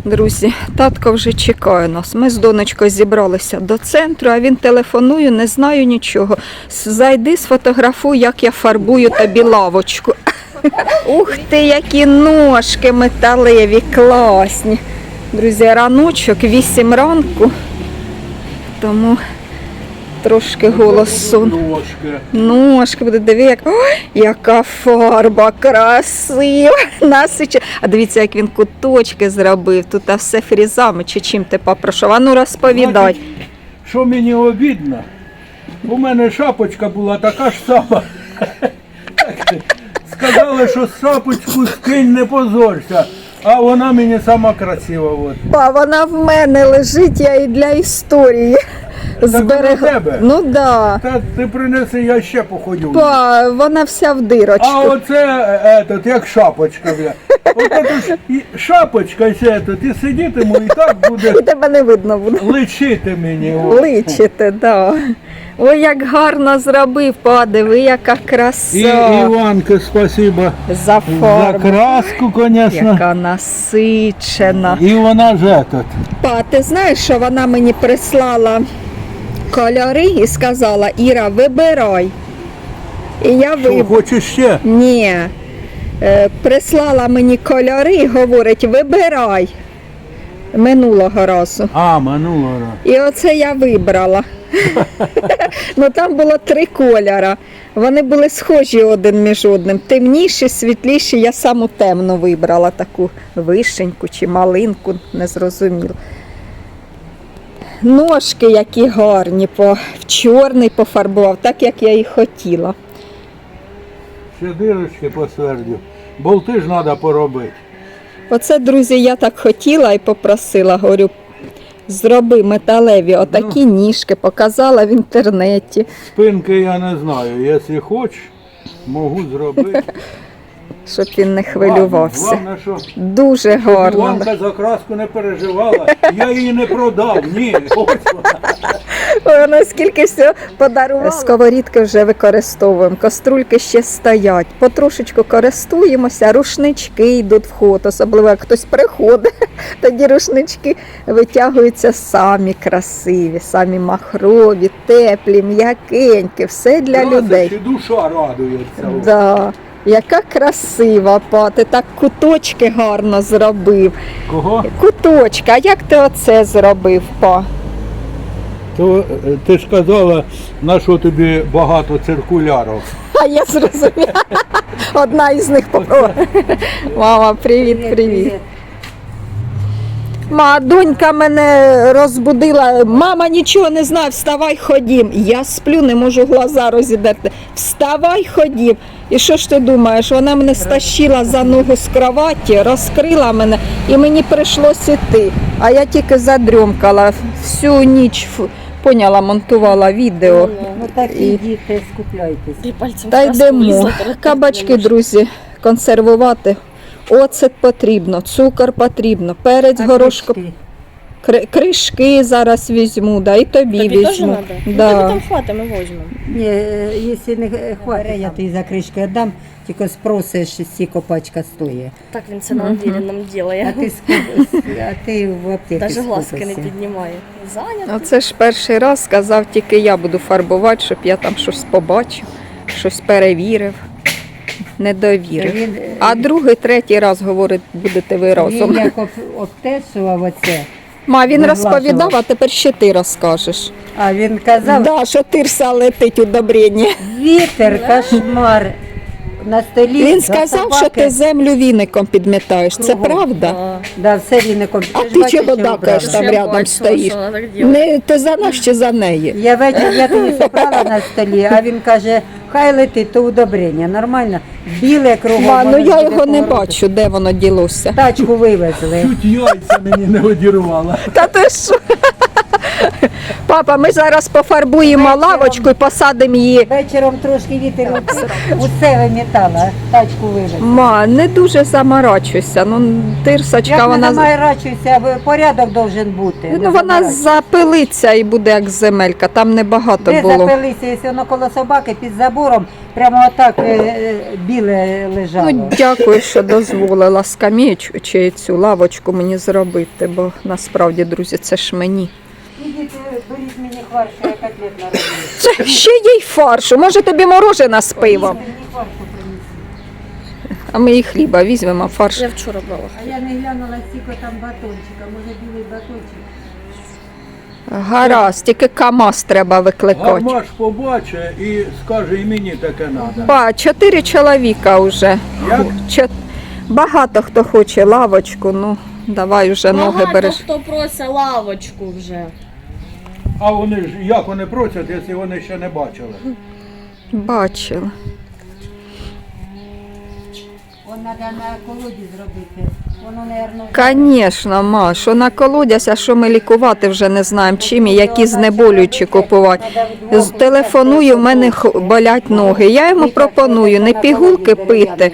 Друзі, татко вже чекає нас. Ми з донечкою зібралися до центру, а він телефонує, не знаю нічого. Зайди, сфотографуй, як я фарбую тобі лавочку. Ух ти, які ножки металеві, класні. Друзі, раночок, 8 ранку, тому трошки голос сон. Ножки буде, диви, як... Ой, яка фарба красива, насичена. А дивіться, як він куточки зробив, тут все фрізами, чи чим ти попрошу. А ну розповідай. Значить, що мені обідно, у мене шапочка була така ж сама. Сказали, що шапочку скинь, не позорся, а вона мені сама красива. От. Па, вона в мене лежить, я і для історії зберегла. Тебе? Ну да. Та ти принеси, я ще походю. Па, вона вся в дирочку. А оце, як шапочка, бля. Оце ж шапочка, і сидітиму, і так буде І тебе не видно буде. личити мені. От. Личите, да. Ой, як гарно зробив, подиви, яка І краса. Іванка, спасибо За за фарбу. краску, звісно. Яка насичена. І вона ж этот. Па, ти знаєш, що вона мені прислала кольори і сказала: Іра, вибирай. І я Що, хочеш ще? Ні. Прислала мені кольори і говорить: вибирай. Минулого разу. А, минулого разу. І оце я вибрала. Ну там було 3 кольори. Вони були схожі один між одним. Темніші, світліші. Я саму темну вибрала, таку вишеньку чи малинку, не зрозуміло. Ножки які гарні, в чорний пофарбував, так як я і хотіла. Ще дирочки посвердю. Болти ж треба поробити. Оце, друзі, я так хотіла і попросила, говорю, зроби металеві отакі ніжки, показала в інтернеті. Спинки я не знаю. Якщо хочеш, можу зробити. Щоб він не хвилювався. Головне, що Дуже гарно. Іванка за краску не переживала. Я її не продав. Ні, ось вона. Ой, наскільки все подарувала. Сковорідки вже використовуємо, каструльки ще стоять. Потрошечку користуємося, рушнички йдуть в ход, особливо як хтось приходить, тоді рушнички витягуються самі красиві, самі махрові, теплі, м'якенькі, все для людей. Чи душа радується. Да. Яка красива, па, ти так куточки гарно зробив. Кого? Куточки, а як ти оце зробив, па? То ти ж казала, на що тобі багато циркулярів. А я зрозуміла. Одна із них попала. Мама, привіт, привіт. Донька мене розбудила. Мама, нічого не знає, вставай, ходім. Я сплю, не можу глаза розідерти. Вставай, ходім. І що ж ти думаєш, вона мене стащила за ногу з кроваті, розкрила мене і мені прийшлося йти. А я тільки задрьомкала всю ніч, поняла, монтувала відео. Ну так і діти, скупляйтесь. Та йдемо. Кабачки, друзі, консервувати. Оцет потрібно, цукор потрібно, перець, горошко. Кришки зараз візьму, да, і тобі Тобі теж візьму. треба? Да. Ну, там хватить, ми візьмемо. Ні, якщо не хватить, я тобі за кришки віддам, тільки спросиш, скільки пачка стоїть. Так він це на нам А ділає. ти в аптеці Навіть глазки не скупишся. піднімає. Зайнято. Оце ж перший раз сказав, тільки я буду фарбувати, щоб я там щось побачив, щось перевірив, не довірив. Він, А другий, третій раз говорить, будете ви разом. Він як обтесував оце, Він Наглажував. розповідав, а тепер ще ти розкажеш. а він казав, Да, що тирса летить удобрення. вітер, кошмар на столі. Він за сказав, що собаки. ти землю віником підмітаєш. Це Кругом. правда? Да, все віником. А ж ти бачиш, чого що дакаєш вбрала. там рядом стоїш? Що вона так робить. Не ти за нас чи за неї? Я вечір, я тоді зібрала на столі, а він каже, хай летить, то удобрення, нормально. Біле кругом. Ну воно я буде його не повороту. бачу, де воно ділося. Тачку вивезли. Чуть яйця мені не одірвала. Та ти що? Папа, ми зараз пофарбуємо Вечором. лавочку і посадимо її. Вечором трошки вітер усе вимітала, тачку вивезла. Ма, не дуже заморачуйся. Ну, тирсочка, Як не вона. замайрачуйся, порядок должен бути. Ну, Не вона заморачуйся. запилиться і буде як земелька, там небагато Де було. запилися, якщо воно коло собаки під забором, прямо отак біле лежало. Ну, дякую, що дозволила скам'ячку чи цю лавочку мені зробити, бо насправді, друзі, це ж мені. Ідіть, беріть мені фарш, я котлет нароблю. Це ще їй фаршу, може тобі морожена з пивом. Мені фаршу принесли. А ми і хліба візьмемо, фарш. Я вчора брала. А я не глянула, скільки там батончика, може білий батончик. Гаразд, тільки КамАЗ треба викликати. Гармаш побачить і скаже, і мені таке треба. Ба, 4 чоловіка вже. Як? Багато хто хоче лавочку, ну давай вже ноги Багато береш. хто просить лавочку вже. А вони ж як вони просять, якщо вони ще не бачили? Бачила. Вон треба на колоді зробити. Воно, мабуть, Звісно, ма, що на колодязь, а що ми лікувати вже не знаємо чим і які знеболюючі купувати. Телефоную, в мене болять ноги. Я йому пропоную не пігулки пити,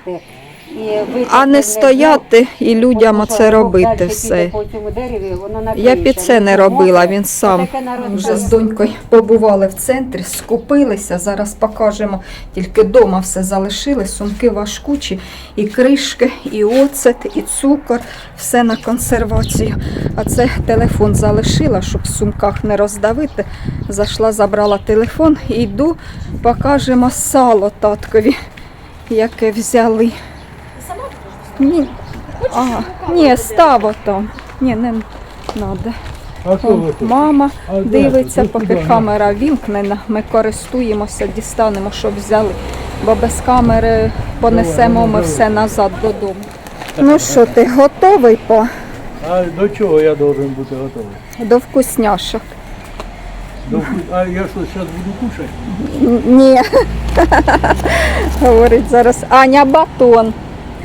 а не стояти і людям оце робити все. Я під це не робила, він сам. Вже з донькою побували в центрі, скупилися, зараз покажемо. Тільки вдома все залишили, сумки важкучі, і кришки, і оцет, і цукор, все на консервацію. А це телефон залишила, щоб в сумках не роздавити. Зайшла, забрала телефон і йду, покажемо сало таткові, яке взяли. Ні, ні, став отам. Ні, не треба. А що ви тут? Мама А де дивиться, тут? поки Куди? камера вімкнена, ми користуємося, дістанемо, щоб взяли, бо без камери понесемо ми все назад додому. Ну що, ти готовий А до чого я должен бути готовий? до вкусняшок? А я що, зараз буду кушати? Ні. Говорить зараз Аня батон.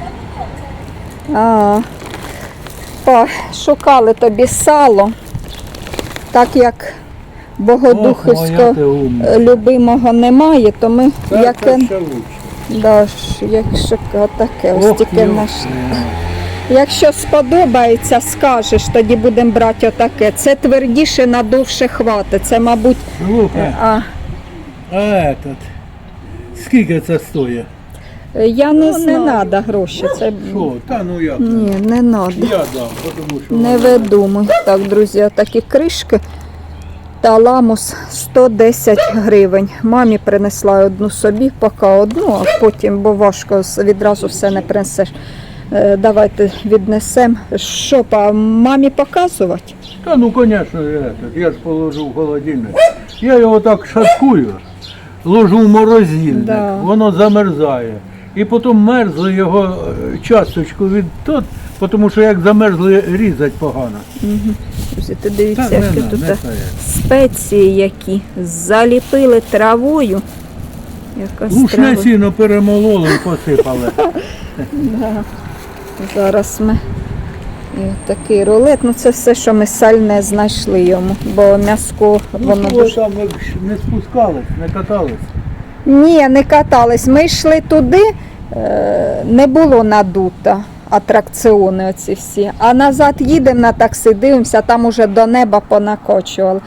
Шукали тобі сало, так як Ох, богодухівського моя ти умна. любимого немає, то ми Це яке ще лучше. якщо таке, ось Ох, тільки йо. наш. Якщо сподобається, скажеш, тоді будемо брати отаке. Це твердіше, надовше хватить. Це, мабуть, Слухай, а скільки це стоїть? я не треба гроші. Це Що? Та ну як? ні, не треба. Я дам, тому що Не видумуй. Так, друзі, отакі кришки та ламус 110 гривень. Мамі принесла одну собі, поки одну, а потім, бо важко відразу все не принесеш. Давайте віднесемо. Що, мамі показувати? Та ну, звісно, я ж положу в холодильник. Я його так шаткую, ложу в морозильник, Да. воно замерзає. І потім мерзли його часточку від тут, тому що як замерзли, різати погано. Друзі, ти дивіться, Та не які на, тут не це. спеції які. Заліпили травою. Якась Гушне трава. сіно перемололи і посипали. Зараз ми і такий рулет. Ну це все, що ми сальне знайшли йому, бо м'яско воно Ну, дуже. там ви не спускались, не катались. Ні, не катались. Ми йшли туди, не було надуто атракціони оці всі. А назад їдемо на таксі, дивимося, там уже до неба понакочували.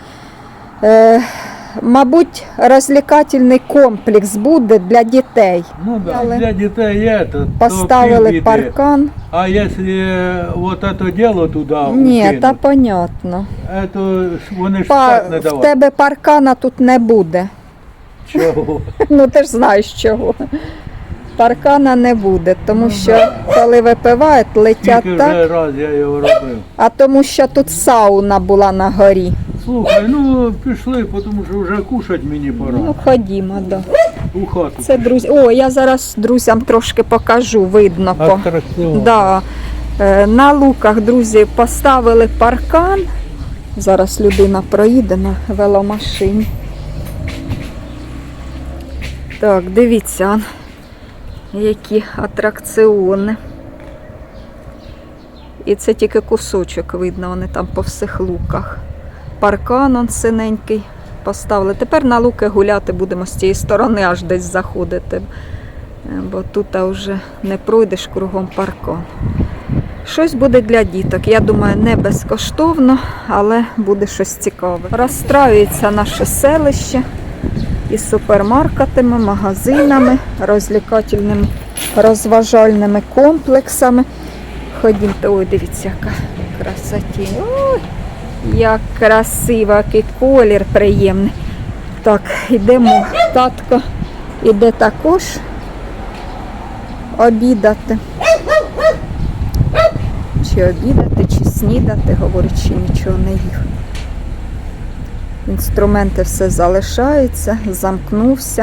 Мабуть, розвлекательний комплекс буде для дітей. Ну да, Але для дітей є, то Поставили півбіди. паркан. А якщо вот это дело туди Ні, укинуть, та понятно. то вони ж Па, так не в давали. тебе паркана тут не буде. Чого? Ну ти ж знаєш чого. Паркана не буде, тому що коли випивають, летять Тільки так, вже раз я його робив. а тому що тут сауна була на горі. Слухай, ну пішли, тому що вже кушать мені пора. Ну ходімо, да. У хату. Це друзі. О, я зараз друзям трошки покажу, видно по. Атракціон. Да. На луках, друзі, поставили паркан. Зараз людина проїде на веломашині. Так, дивіться, які атракціони. І це тільки кусочок видно, вони там по всіх луках. паркан он синенький поставили. Тепер на луки гуляти будемо з цієї сторони, аж десь заходити. Бо тут вже не пройдеш кругом паркан. Щось буде для діток. Я думаю, не безкоштовно, але буде щось цікаве. Розстраюється наше селище із супермаркетами, магазинами, розлікательними, розважальними комплексами. Ходімте, ой, дивіться, яка красоті. Ой, як красиво, який колір приємний. Так, йдемо. Татко іде також обідати. Чи обідати, чи снідати, говорить, чи нічого не їв. Інструменти все залишаються, замкнувся.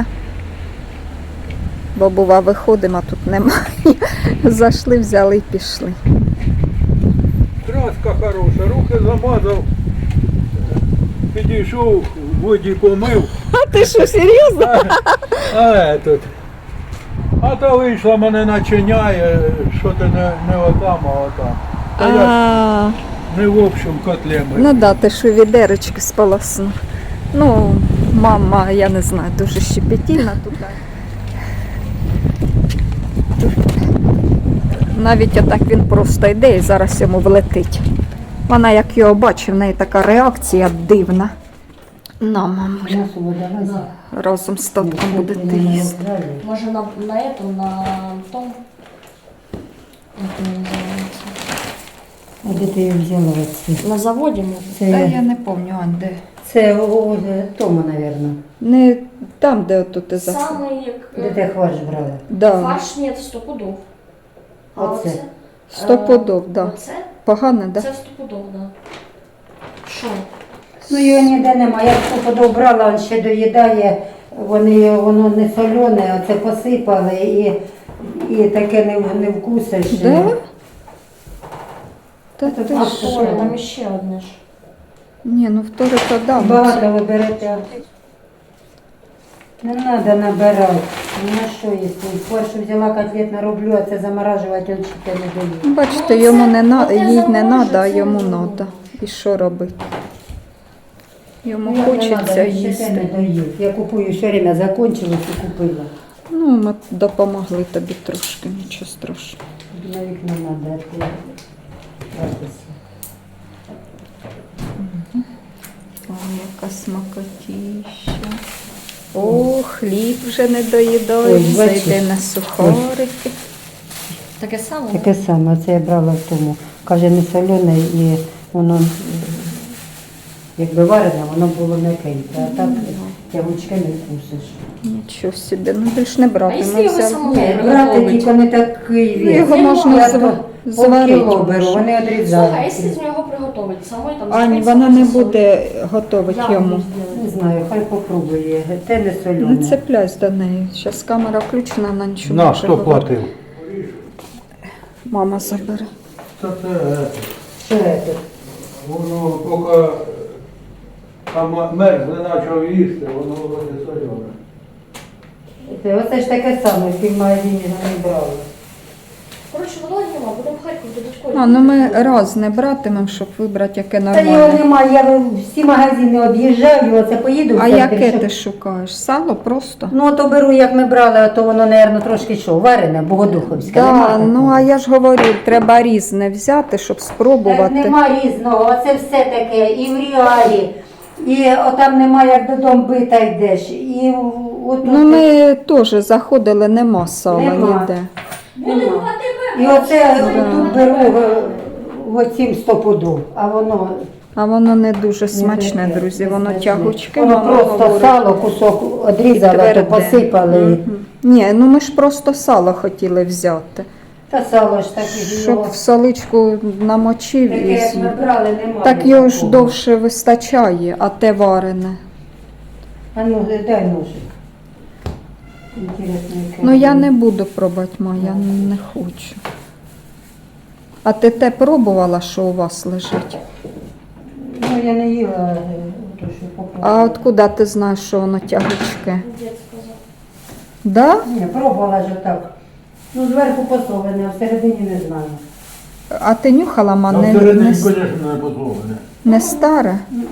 Бо, бува, виходимо, а тут немає. Зайшли, взяли і пішли. Краска хороша, руки замазав, підійшов, в воді помив, А ти що, серйозно? а то вийшла, мене начиняє, що ти не отам, а отам. Та я А, не в общому котлі мив. ну да, ти що відерочки сполоснув. Ну, мама, я не знаю, дуже щепетільна тут. Навіть отак він просто йде і зараз йому влетить. Вона, як його бачить, в неї така реакція дивна. На, мамуля, разом з татком будете їсти. Може на этом, на том. Як він називається? А де ти її взяла? Оці? На заводі може. Та я не пам'ятаю, а де. Це у Тома, мабуть. Не там, де отут ти за. Саме як Де ти хваш брала? Да. фарш, ні, стопудов. А Оце? Стопудов, да. Оце? Погано, да? Це стопудов, да. Що? Ну його ніде немає. Я стопудов брала, він ще доїдає, воно не солене, оце посипали і таке не вкусиш. Да? Та Це ти так, що? Ой, там іще одне ж. Ні, ну вторе то да. Багато ви берете. Не треба набирати. Ну на що їсти? Першу взяла котлет нароблю, а це заморажувати, він ще не доїть. Ну, бачите, Ну, йому це- не на... оце їй не заморожу, треба, а це йому не треба. І що робити? Йому Ну, як не хочеться надо, він ще те не їсти. доїв. Я купую все время, закончилось і купила. Ну, ми допомогли тобі трошки, нічого страшного. На вікно треба гратися. Ой, яка смакотіща. О, хліб вже не доїдає, Ой, бачиш? зайде на сухарики. Таке саме? Таке саме, це я брала в тому. Каже, не солене і воно, якби варене, воно було м'якеньке, а так тягучки не вкусиш. Нічого собі, ну більш не А брати. якщо Ми його взяли. самому Ні, брати приготовити? тільки не такий Ну, вес. його можна Я зва- то зварити полкіло беру, можна. вони Слухай, а відрізають. якщо з нього приготувати? Самої там Ань, спеціально вона не засолити? буде готувати Я йому. буду зробити. Не знаю, хай попробує. Те не Не солене. цепляйся до неї. Зараз камера включена, вона нічого не На, може хто говорити. платив? Мама забере. Це Що це? воно поки там мерзли почав їсти, воно вроде солене. Оце ж таке саме, в тім магазині не брали. Коротше, воно нема, будемо в Харків до дочкою. А, ну ми раз не братимемо, щоб вибрати, яке Та його нормальне. немає, я всі магазини об'їжджаю, оце поїду. в А центр, яке щоб- ти шукаєш? Сало просто? Ну, то беру, як ми брали, а то воно, мабуть, трошки що, варене, богодуховське. Да, нема ну такого? а я ж говорю, треба різне взяти, щоб Так спробувати. нема різного, оце все таке, і в реалі, і отам немає, як додому бита йдеш, і от Ну ми теж заходили, нема сала Нема. ніде. нема. І оце тут беру в оцім стопуду, а воно А воно не дуже смачне, таке, друзі, не воно смачне. тягучке. Воно мама просто говорить. сало, кусок одрізала, то Тверде. посипали. Мгм. Ні, ну ми ж просто сало хотіли взяти. Та сало ж таке, Щоб його, в соличку намочив таке, і як ми з'їв. брали, немає. Так його ж такого. довше вистачає, а те варене. А ну, дай ножик. Інтересно, яке. Ну я не буду пробувати, ма, я не хочу. А ти те пробувала, що у вас лежить? Ну, я не їла, то що А попробувала. откуда ти знаєш, що воно тягучке? Дід сказав. Да? Ні, пробувала ж так. Ну, зверху посолене, а всередині не знаю. А ти нюхала, ма, Там не, всередині, не, звісно, не подобане. не старе?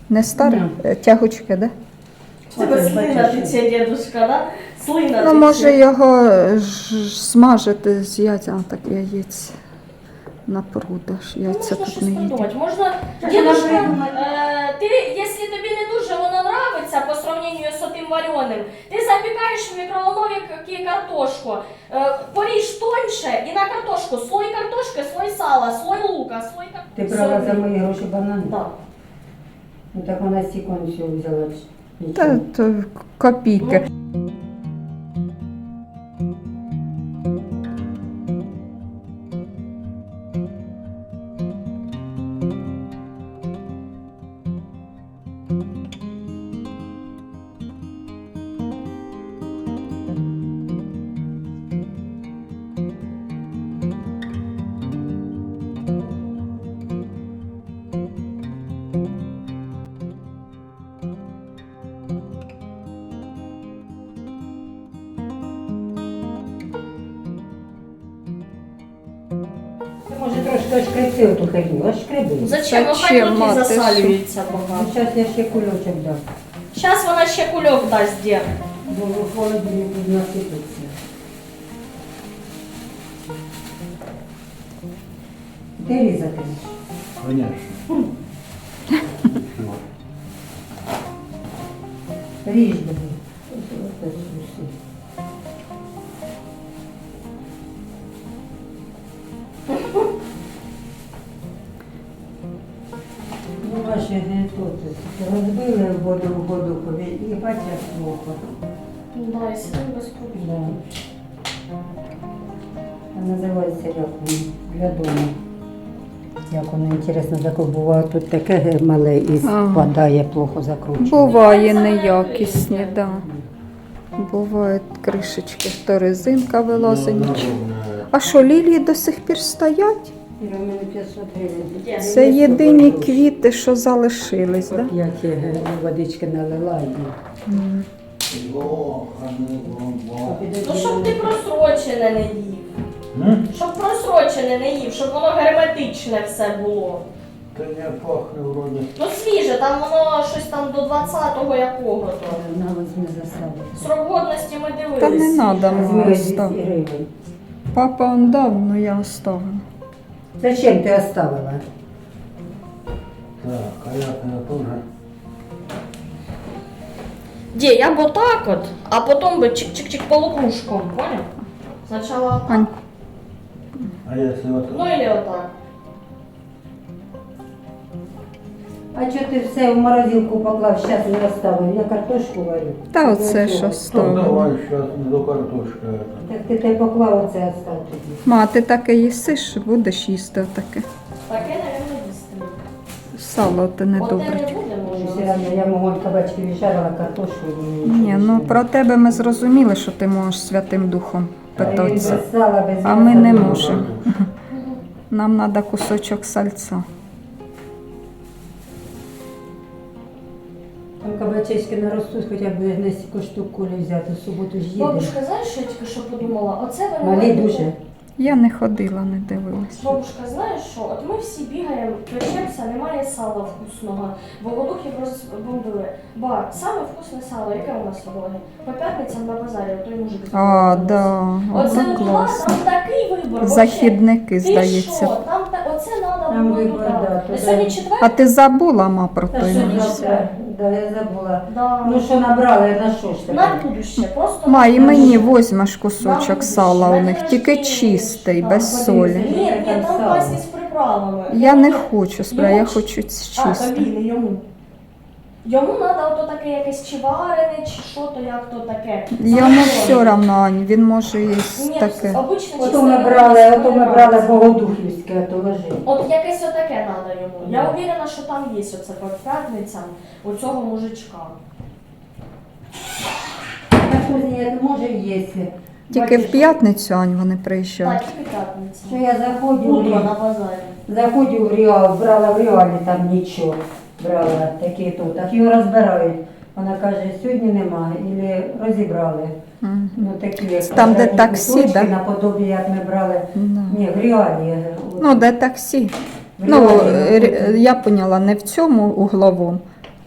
Не старий? Тягучки, да? У тебе слина тече, дедушка, да? Слина Ну, тече. може його смажити з яйця, так яєць на продаж. Яйця Можна тут щось не їдять. придумати. Можна, Так, дедушка, вона ти, якщо тобі не дуже воно нравиться по сравнению з тим вареним, ти запікаєш в мікроволновці картошку, поріж тоньше і на картошку слой картошки, слой сала, слой лука, слой Ти картошки. брала за мої гроші банани? Так. Ну так вона стільки всього взяла. Та то копійки. Ти може трошки ошкребти оту херню, ошкреби. Зачем? Ну, хай Зачем, руки мати, засалюються Ну, поки. зараз я ще кульочок дам. Зараз вона ще кульок дасть, дід. Бо в холодильнику насипеться. Ти різатимеш? Конечно. Ріж тобі. Ось усе. Ну, ваші тут розбили в воду і бачиш плохо. Да, якщо він без Да. кульок. А називається як він для дому. Як воно інтересно, таке буває тут таке мале і Ага. спадає, плохо закручує. Буває неякісні, да. Бувають кришечки, то резинка вилазить. нічого. А що, лілії до сих пір стоять? Іра, у мене 500 гривень. Це єдині квіти, що залишились, да? Я ті водички налила і... Ну, щоб ти просрочене не їв. Щоб просрочене не їв, щоб воно герметичне все було. Та не пахне вроде. Ну свіже, там воно щось там до 20-го якого-то. На возьми засаду. Срок годності ми дивилися. Та не треба Возьми мені 200 оставити. гривень. Папа он дав, но я оставила. Зачем ти оставила? Так, а я тоже. Де, я б отак от, а потім би чик-чик-чик полукружком, понял? Спочатку Ань, А если вот... ну или отак. А чого ти все в морозилку поклав, зараз не оставив? Я картошку варю. та оце що Ну, ставила. давай сейчас до картошки это. Так ти те поклав, оце остав тоді. Ма, ти таке їсиш, будеш їсти таке. Таке, мабуть, їсти. Сало ти не Оте добре. не буде, Все може. одно я могла кабачки віджарила, картошку. і Ні, нічого ну не про тебе ми зрозуміли, що ти можеш Святим Духом питатися. Без сала, без А ми м'яса не не можемо. Нам треба кусочок сальця. Там кабачечки наростуть, хоча б на стільки штук колі взяти, в суботу ж їдемо. Бабушка, знаєш, що я тільки що подумала? Оце вони Малі мають дуже. бути- Я не ходила, не дивилась. Бабушка, знаєш що? От ми всі бігаємо, печемося, немає сала вкусного. Богодухів розбомбили. Ба, саме вкусне сало, яке у нас сьогодні? По п'ятницям на базарі, той мужик. А, да, Оце оце була, класно. там такий вибор. Західники, Ти здається. що? Там оце треба Там було вибор, туди. да, туди. Сьогодні четвер? А ти забула, ма, про Та той що місяць? завтра? Да, я забула. Да. Ну що набрала, я на що ж На таке? будуще, просто Ма, і на мені будуще. возьмеш кусочок сала у них, тільки чистий, без солі. Ні, там Сало. класні з приправами. Я не хочу спра, я хочу А, чистий. тобі, не йому. Йому треба ото таке якесь чи варене, чи що то, як то таке. Йому все одно, Ань, він може Ні, їсти таке. обичне Ото ми брали богодухівське, а то лежить. От якесь отаке треба йому. Я уверена, що там є оце по п'ятницям у цього мужичка. Так ні, може є. Тільки в Бачиш, п'ятницю, Ань, вони Так, приїжджають. тільки п'ятниця. Що я заходжу, Утро на базарі. заходжу в Реал, брала в Реалі там нічого. Брала такі тут, а його розбирають. Вона каже, сьогодні немає, або розібрали. Мгм. Ну, такі, як Там, де квадратні таксі, кусочки, да? наподобі, як ми брали. Да. Ні, в Реалі. Ну, де таксі. В Ну, Реалі, я поняла, не в цьому угловому,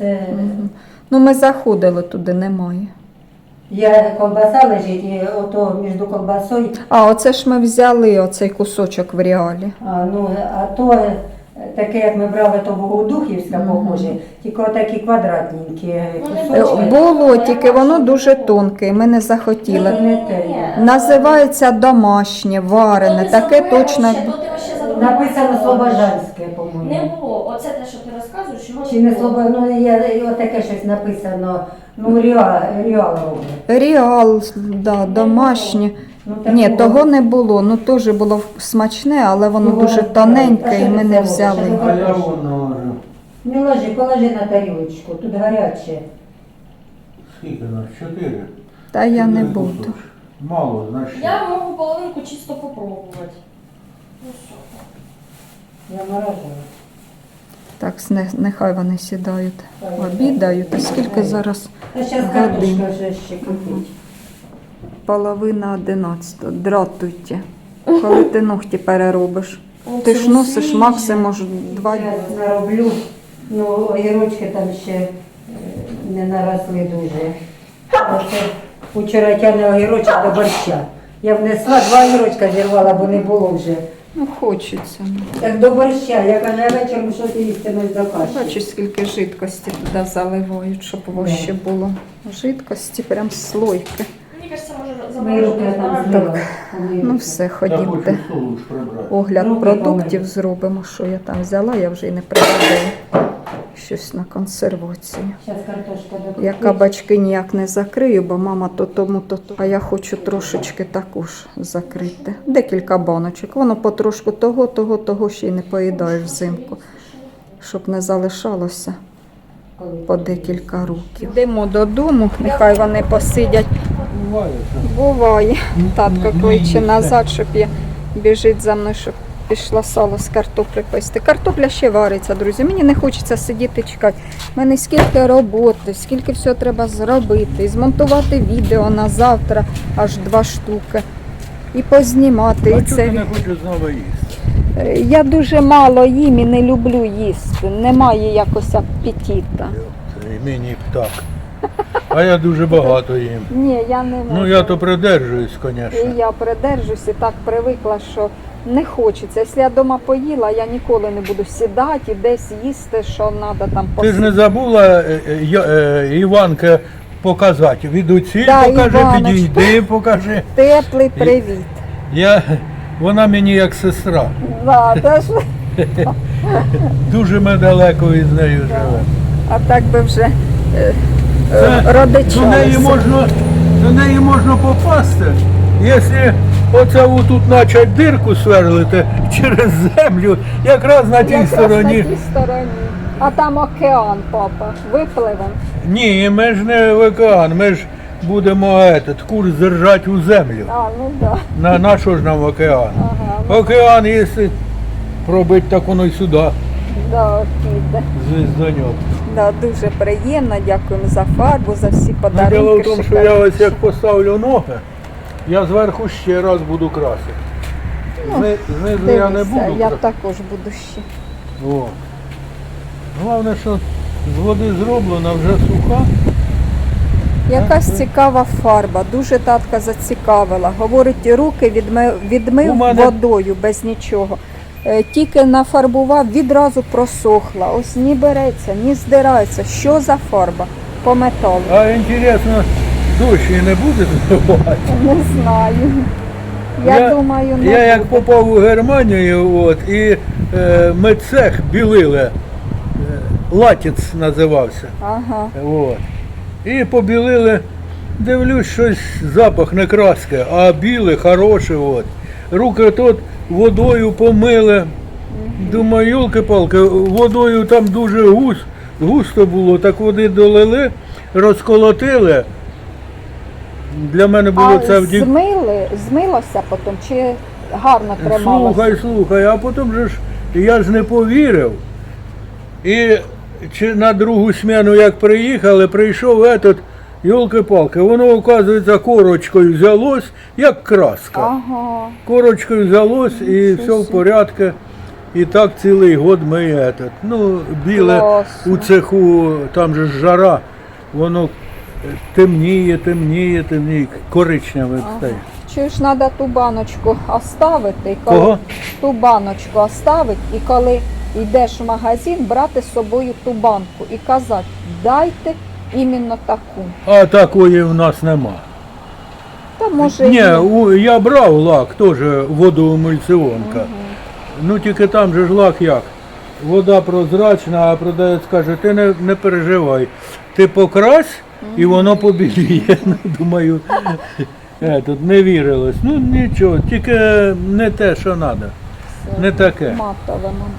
це Ну ми заходили туди, немає. є колбаса лежить, і ото між колбасою, А, оце ж ми взяли оцей кусочок в реалі. а то таке, як ми брали, то Богодухівська похоже, тільки отакі квадратненькі кусочки. Було, тільки воно дуже тонке, ми не захотіли. Не те. Називається домашнє, варене, таке точно. Написано Слобожанське, Не по-моєму. було. Оце те, що ти розказуєш, його Чи не Слобо, є отаке щось написано, Реал робить. Реал, да, домашнє. Ну, Ні, такого- того не було. Ну теж було смачне, але воно Ну, дуже воно- тоненьке а і що ми це не було? взяли. Що А я воно ложу. Не ложи, положи на тарілочку, тут гаряче. Скільки нас? 4? Та я не 4 буду. кусочки. Мало, значить. Я можу половинку чисто попробувати. Ну що? Я морожу. Так, нехай вони сідають, обідають. А скільки зараз? А зараз Годин. картошка вже ще кипить. 10:30. Дратуйте. Коли ти ногті переробиш. Ти ж носиш максимум 2 дні. Зараз нароблю. Ну, огірочки там ще не наросли дуже. Оце вчора тягне огірочок до борща. Я внесла 2 огірочка зірвала, бо не було вже. Ну, хочеться. Так до борща, я кажу, я вечором що ти їсти до каші. Бачиш, скільки жидкості туди заливають, щоб ваще було. Жидкості, прям слойки. Мені кажеться, може Мої руки я там злила. Ну все, Я ходімте. хочу столу ж прибрати. Огляд Руки продуктів помили. зробимо, що я там взяла, я вже і не пригадаю. Щось на консервацію. Зараз картошка до Я кабачки ніяк не закрию, бо мама то тому, то. А я хочу трошечки також закрити. Декілька баночок. Воно потрошку того ще й не поїдаєш взимку. Щоб не залишалося по декілька років. Йдемо додому, нехай вони посидять. Буває, що. Буває. Татко не кличе їсти. назад, щоб я біжить за мною, щоб пішла сало з картоплі пести. Картопля ще вариться, друзі. Мені не хочеться сидіти чекати. У мене скільки роботи, скільки всього треба зробити. І змонтувати відео на завтра, аж 2 штуки. І познімати. А І чого це... ти не хочеш знову їсти? Я дуже мало їм і не люблю їсти. Немає якось апетита. І мені так. А я дуже багато їм. Ні, я не можу. Ну я то придержуюсь, І звісно. я придержусь і так привикла, що не хочеться. Якщо я вдома поїла, я ніколи не буду сідати і десь їсти, що треба там Ти ж не забула Іванка показати. Від оці Да, покажи, Іваночка. підійди, покажи. Теплий привіт. Вона мені як сестра. Да, теж, Дуже ми далеко із нею живемо. а так би вже До неї родичалися. можна попасти, якщо оце тут почать дирку сверлити через землю, якраз на тій Якраз стороні. на тій стороні. А там океан, папа. Випливемо. Ні, ми ж не в океан, ми ж будемо курс держати у землю. А, ну да. На що ж нам океан? Ага, Океан, якщо пробить, так воно й сюди, да, піде. звіздоньок. Да, дуже приємно, дякуємо за фарбу, за всі подарунки. Діло в тому, що шикарні. я ось як поставлю ноги, я зверху ще раз буду красити. Знизу я не Дивися, буду я красити. також буду ще. О. Головне, що з води зроблена, вже суха. Якась цікава фарба, дуже татка зацікавила. Говорить, руки відмив У мене- водою без нічого. Тільки нафарбував, відразу просохла. Ось ні береться, ні здирається. Що за фарба? По металу. А інтересно, дощ і не буде зробити. Не знаю. Я думаю, не Я як буде. попав у Германію, і ми цех білили, латіц називався. Ага. От. І побілили, дивлюсь, щось запах не краски, а біле, хороше. От. Руки тут водою помили. Думаю, йолки-палки, водою там дуже густо було, так води долили, розколотили. Для мене було А це вдів. змилося потім чи гарно трималося? Слухай, а потім же ж я ж не повірив. І чи на другу сміну, як приїхали, прийшов этот, йолки-палки, воно, оказується, корочкою взялось, як краска. Ага. Корочкою взялось і все в порядку. І так цілий год ми этот. Ну, біле Класно. у цеху, там же ж жара, воно темніє, коричневе стає. Чи ж треба ту баночку оставити, і коли Кого? ту баночку оставити, і коли йдеш в магазин, брати з собою ту банку і казати, дайте іменно таку. А такої в нас нема. Та може Ні, і я брав лак, теж водоемульсіонка. Ну тільки там же ж лак як. Вода прозрачна, а продавець каже, ти не переживай, ти покрась і воно побіліє. Ну, думаю, тут не вірилось. Ну нічого, тільки не те, що треба. Не таке. матове, мабуть.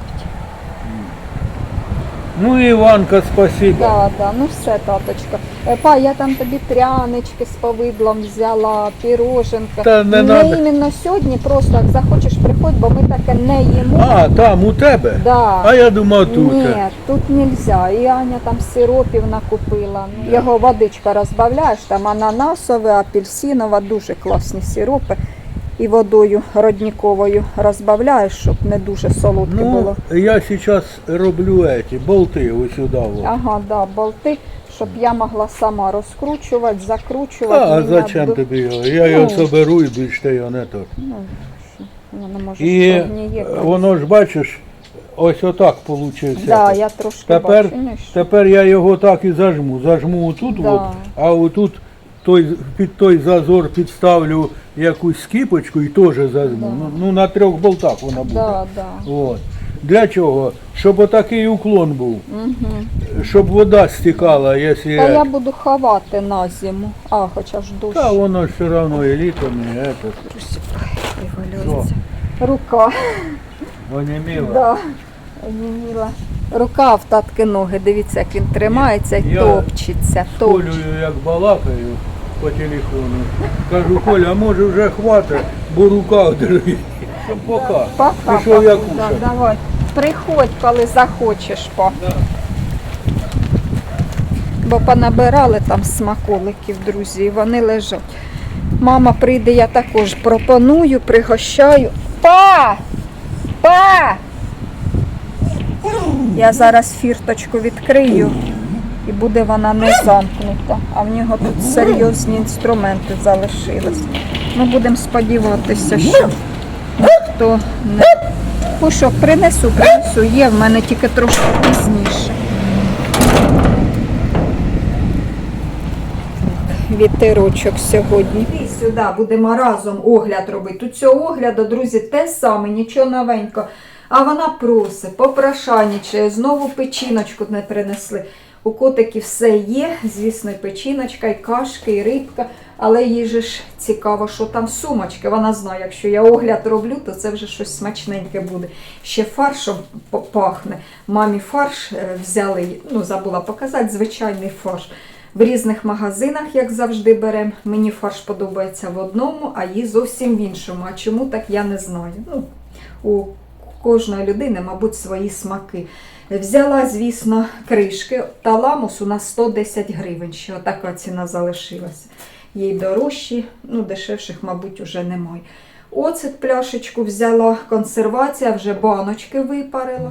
Ну Іванка, спасибо. Да, ну все, таточка. Па, я там тобі прянички з повидлом взяла, піроженка. Та не не надо. іменно сьогодні, просто як захочеш, приходь, бо ми таке не їмо. А, там у тебе? Да. А я думав тут. Ні, тут нельзя. І Аня там сиропів накупила. Його водичка розбавляєш, там ананасова, апельсинова, дуже класні сиропи. І водою родниковою розбавляєш, щоб не дуже солодке було. Ну, я зараз роблю болти ось сюди. От. Ага, да, болти, щоб я могла сама розкручувати, закручувати. А Мені зачем надо- тобі його? Я його соберу і більше ти його не то. Ну, воно може І прогніє колись. воно ж бачиш, ось отак вийшло. Да, я трошки Тепер, бачу. Ну, і що? тепер я його так і зажму. Зажму отут, Да. от, а отут під той зазор підставлю якусь скіпочку і теж зажму. Ну на 3 болтах вона буде. Да. От. Для чого? Щоб отакий уклон був. Угу. Щоб вода стікала, якщо... Та я буду ховати на зиму. А, хоча ж дощ. Та воно ж все одно і літом, і это. Вивалюється. Рука. Оніміло. Да. Оніміла. Рука в татки ноги. Дивіться, як він тримається і Я топчеться. Колею як балакаю по телефону. Кажу, Коля, а може вже хватить, бо рука дрожить. Пока. Пока, Пішов я да, кушати. давай. Приходь, коли захочеш, па. Да. Бо понабирали там смаколиків, друзі, і вони лежать. Мама прийде, я також пропоную, пригощаю. Па! Я зараз фірточку відкрию і буде вона не замкнута. А в нього тут серйозні інструменти залишились. Ми будемо сподіватися, що ніхто не... Пушок, принесу, є в мене тільки трошки пізніше. Вітерочок сьогодні. І сюди будемо разом огляд робити. Тут цього огляду, друзі, те саме, нічого новенького. А вона просить, попрошайничає, знову печіночку не принесли. У котиків все є, звісно, і печіночка, і кашки, і рибка. Але їй же ж цікаво, що там сумочки. Вона знає, якщо я огляд роблю, то це вже щось смачненьке буде. Ще фаршем пахне. Мамі фарш взяли, ну забула показати, звичайний фарш. В різних магазинах, як завжди, беремо. Мені фарш подобається в одному, а їй зовсім в іншому. А чому так, я не знаю. Ну, у кожної людини, мабуть, свої смаки. Взяла, звісно, кришки. Таламус у нас 110 гривень. Ще така ціна залишилася. Їй дорожчі, ну, дешевших, мабуть, уже немає. Оцет пляшечку взяла, консервація, вже баночки випарила.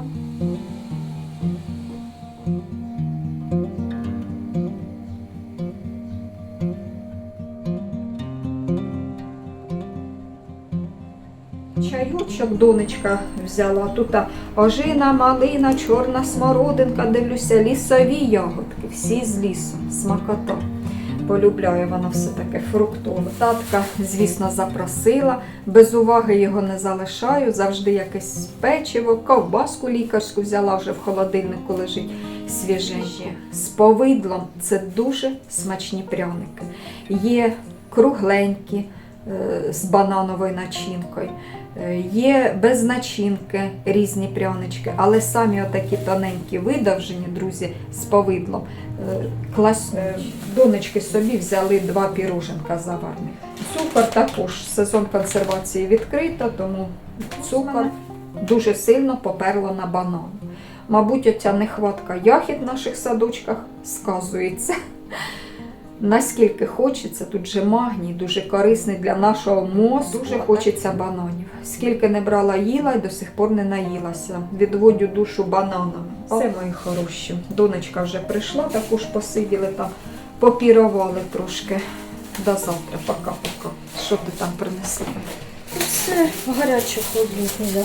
Чайочок донечка взяла. Тут ожина, малина, чорна смородинка, дивлюся, лісові ягодки, всі з лісу, смакота. Полюбляє вона все таке фруктове. Татка, звісно, запросила, без уваги його не залишаю, завжди якесь печиво, ковбаску лікарську взяла, вже в холодильнику лежить свіженьке. З повидлом це дуже смачні пряники. Є кругленькі, з банановою начинкою. Є без начинки різні прянички, але самі отакі тоненькі видовжені, друзі, з повидлом. Донечки собі взяли 2 піроженка заварних. Цукор також, сезон консервації відкрито, тому цукор дуже сильно поперло на банан. Мабуть, оця нехватка ягід в наших садочках сказується. наскільки хочеться, тут же магній, дуже корисний для нашого мозку. Дуже хочеться бананів. Скільки не брала їла і до сих пор не наїлася. Відводю душу бананами. Все, мої хороші. Донечка вже прийшла, також посиділи там, попірували трошки. До завтра, пока-пока. Що ти там принесла? Це гаряче холодне.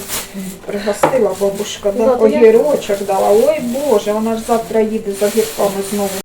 Пригостила бабушка, да? Да, то я- Огірочок дала. Ой Боже, вона ж завтра їде за огірками знову.